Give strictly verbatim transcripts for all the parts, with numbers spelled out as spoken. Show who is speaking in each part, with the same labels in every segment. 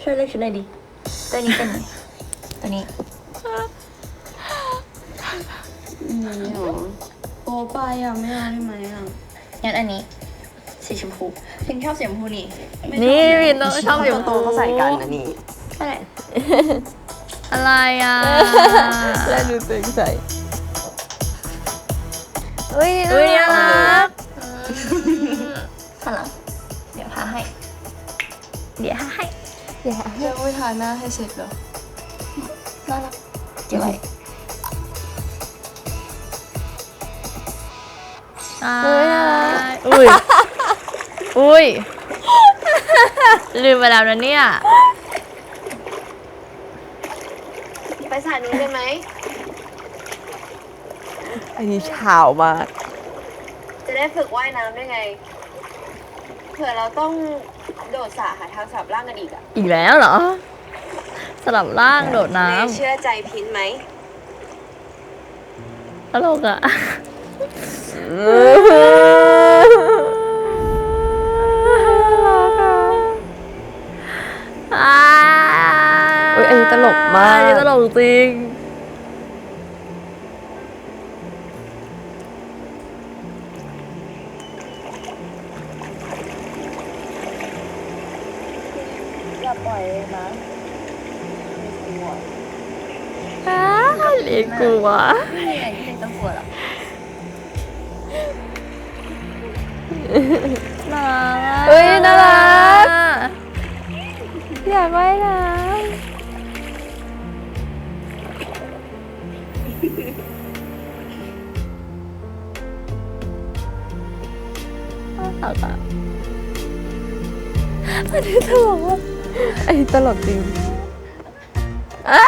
Speaker 1: ช่วยเลือกชุดหน่อยดิตัวนี้เป็นตัวนี้
Speaker 2: นี่หรอโอ้ไปอ่ะไม่เอาได้ไหมอ่ะ
Speaker 1: งั้นอันนี้สีชมพูพิงชอบสีชมพูนี่
Speaker 3: นี่วินต้องชอบสีชมพู
Speaker 2: เขาใส่กันนะนี่
Speaker 1: ใช่
Speaker 3: อะไรอ่ะแล้วดูตัวเองใส่อุ้ยอุ้ยน่ารัก
Speaker 1: ข้างหลังเดี๋ยวพาให้เดี๋ยวพาให้
Speaker 3: เดี๋ยว
Speaker 2: จะไม่ทาหน้าให้เสร็จเหรอ
Speaker 1: น่ารักเก็บไว้
Speaker 3: อุ้ยน่ารักอุ้ยอุ้ยลืมไปแล้วนะเนี่ย
Speaker 2: ไปสายนู้นได้ไหม
Speaker 4: อันนี้เช้ามาก
Speaker 2: จะได้ฝึกว่ายน้ำได้ไงเผื่อเราต้องโดดสระหาทางสับร่างกันอีกอ่ะ
Speaker 3: อีกแล้วเหรอสลับร่างโดดน้
Speaker 2: เชื่อใจพินไหม
Speaker 3: ำตลกอ่ะอ่า
Speaker 4: อุ๊ยอันนี้ตลกมาก
Speaker 3: อันนี้ตลกจริง
Speaker 2: อย่าปล่อยเลยนะ
Speaker 3: อ้าเล็กกลัว
Speaker 1: ไม่มีอะไรที่เป็นต้องกลัวหรอก
Speaker 3: น่ารัก
Speaker 4: เฮ้ยน่ารัก อยากว่ายน้
Speaker 3: น่ารักอ่ะอันนี้ตลกว่ะ
Speaker 4: ำอันนี้ตลกจริง
Speaker 3: อ้า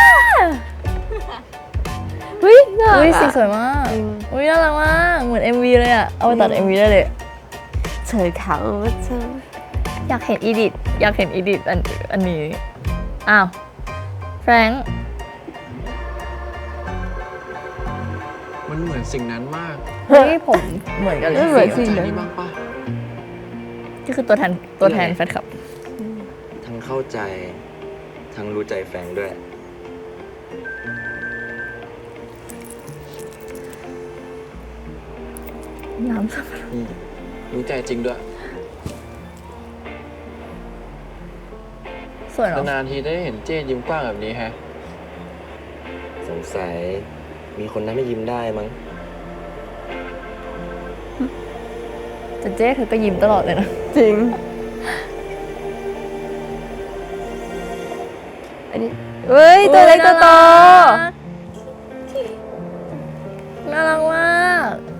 Speaker 4: เฮ้ยน่ารัก
Speaker 3: อุ้ย
Speaker 4: อะ
Speaker 3: สีสวยมาก
Speaker 4: จริง
Speaker 3: อุ้ยน่ารักมาก เหมือน เอ็ม วี เลยอ่ะ เอาไปตัด เอ็ม วี ได้เลย
Speaker 4: เธอเขาว่าเธอ
Speaker 3: อยากเห็นอีดิท อยากเห็นอีดิทอันอันนี้ อ้าว แฟรงค์
Speaker 5: มันเหมือนสิ่งนั้นมาก
Speaker 3: เฮ้ยผมเหมือนกันเลย
Speaker 4: ไม่เหมือน
Speaker 3: สี
Speaker 4: จริง
Speaker 5: ใจ
Speaker 4: นะ
Speaker 5: นี่บ้างปะ
Speaker 3: ก็คือตัวแทนตัวแทนแฟนคลับ
Speaker 6: ทั้งเข้าใจ ทั้งรู้ใจแฟนด้วย
Speaker 3: น้ำสัก
Speaker 5: อืมรู้ใจจริงด้วย
Speaker 3: สวยเนาะ
Speaker 5: นานๆทีได้เห็นเจนยิ้มกว้างแบบนี้แฮะ
Speaker 6: สงสัยมีคนทำให้ยิ้มได้มั้ง
Speaker 3: แต่เจ๊เธอก็ยิ้มตลอดเลยนะ
Speaker 4: จริง อันนี้เฮ้ย ตัวเล็กตัวโต
Speaker 3: น่ารักมาก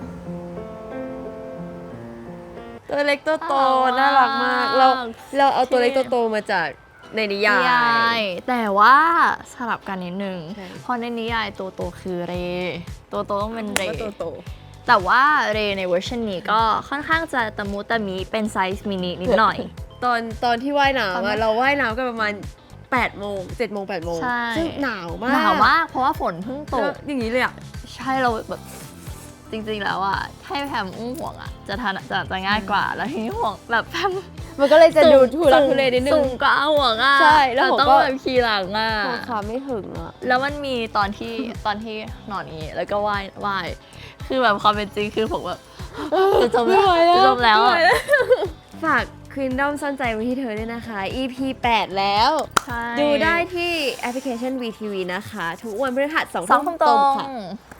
Speaker 4: ตัวเล็กตัวโต
Speaker 3: น่า
Speaker 4: น่า
Speaker 3: รั
Speaker 4: รั
Speaker 3: ก
Speaker 4: ก
Speaker 3: มาม
Speaker 4: าก ก เรา เราเอาตัว
Speaker 3: ที่
Speaker 4: เล็กตัวโตมาจากในนิยาย
Speaker 3: นิยายแต่ว่าสลับกันนิดนึง
Speaker 4: ใช่
Speaker 3: เพราะในนิยายตัวโตคือเร ตัวโตต้องเป็นเร
Speaker 4: ก็ตัวโต
Speaker 3: แต่ว่าเรในเวอร์ชันนี้ก็ค่อนข้างจะตะมุตะมิเป็นไซส์มินินิดหน่อย
Speaker 4: ตอนตอนที่ว่ายน้ำ
Speaker 3: ตอนนั้
Speaker 4: อะ
Speaker 3: น
Speaker 4: เราว่ายน้ำกันประมาณแปดโมงเจ็ดโมงแปดโมง
Speaker 3: ใช่
Speaker 4: ซึ่งหนาวมาก
Speaker 3: หนาวมากเพราะว่าฝนเพิ่งต
Speaker 4: แล้ว
Speaker 3: ก
Speaker 4: อย่างนี้เลยอ่ะ
Speaker 3: ใช่เราแบบจริงๆแล้วอ่ะให้แพมอุ้มห่วงอ่ะจะทันจะจะง่ายกว่า แล้วทีนี้ห่วงแบบแพม
Speaker 4: มันก็เลยจะดูทุลักทุเลนิดนึ
Speaker 3: สู
Speaker 4: ง
Speaker 3: งก็เอาห่วงอ่ะ
Speaker 4: ใช่แล้วผม
Speaker 3: ต้อง
Speaker 4: ก็
Speaker 3: แบบขี่หลังอ่ะ
Speaker 4: ราคาไม่ถึงอ่ะ
Speaker 3: แล้วมันมีตอนที่ตอนที่นอนนี้แล้วก็ว่ายว่ายคือแบบความเป็นจริงคือผมแบบจะจมแล้วจะจมแล้วอะ
Speaker 4: ฝากควีนดอมซ่อนใจไว้ที่เธอด้วยนะคะ อี พี แปดแล้ว
Speaker 3: ใช่
Speaker 4: ดูได้ที่แอปพลิเคชัน วี ที วี นะคะ ทุกวันพฤหัสสอง
Speaker 3: สอง
Speaker 4: ทุ่
Speaker 3: ทุ่
Speaker 4: ม
Speaker 3: ม
Speaker 4: ต
Speaker 3: ต
Speaker 4: ร
Speaker 3: รง ง
Speaker 4: ค่ะ
Speaker 3: ค่ะ